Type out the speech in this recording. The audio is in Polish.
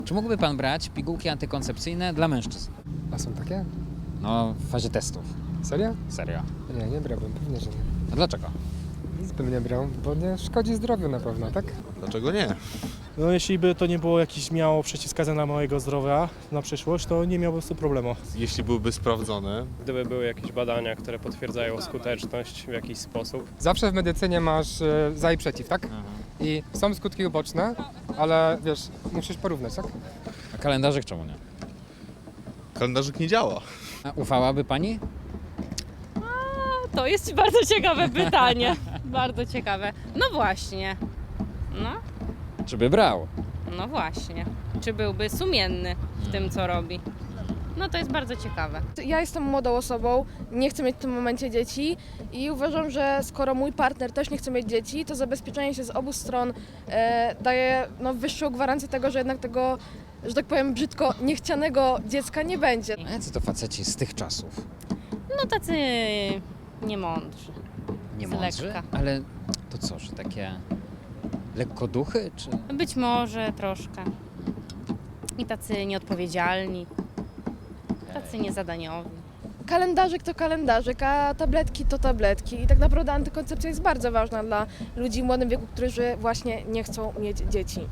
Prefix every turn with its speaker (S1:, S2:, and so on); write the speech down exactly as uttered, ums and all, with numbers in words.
S1: Czy mógłby pan brać pigułki antykoncepcyjne dla mężczyzn?
S2: A są takie?
S1: No, w fazie testów.
S2: Serio?
S1: Serio.
S2: Nie, nie brałbym, pewnie, że nie.
S1: A dlaczego?
S2: Nic bym nie brał, bo nie szkodzi zdrowiu na pewno, tak?
S3: Dlaczego nie?
S4: No jeśli by to nie było jakieś miało przeciwwskazań dla mojego zdrowia na przyszłość, to nie miałbym z tym problemu.
S3: Jeśli byłyby sprawdzone,
S5: Gdyby były jakieś badania, które potwierdzają skuteczność w jakiś sposób.
S2: Zawsze w medycynie masz e, za i przeciw, tak? I są skutki uboczne, ale wiesz, musisz porównać, tak?
S1: A kalendarzyk czemu nie?
S3: kalendarzyk nie działa.
S1: A ufałaby pani?
S6: To jest bardzo ciekawe pytanie. Bardzo ciekawe. No właśnie. No,
S1: Czy by brał?
S6: no właśnie. Czy byłby sumienny w tym, co robi? No to jest bardzo ciekawe.
S7: Ja jestem młodą osobą, nie chcę mieć w tym momencie dzieci i uważam, że skoro mój partner też nie chce mieć dzieci, to zabezpieczenie się z obu stron e, daje no, wyższą gwarancję tego, że jednak tego, że tak powiem brzydko, niechcianego dziecka nie będzie.
S1: A jacy to faceci z tych czasów?
S6: No tacy niemądrzy.
S1: Nie
S6: Z
S1: mądrzy?
S6: lekka.
S1: Ale to co, że takie lekkoduchy, czy...
S6: Być może troszkę. I tacy nieodpowiedzialni. Tacy niezadaniowi.
S7: Kalendarzyk to kalendarzyk, a tabletki to tabletki i tak naprawdę antykoncepcja jest bardzo ważna dla ludzi w młodym wieku, którzy właśnie nie chcą mieć dzieci.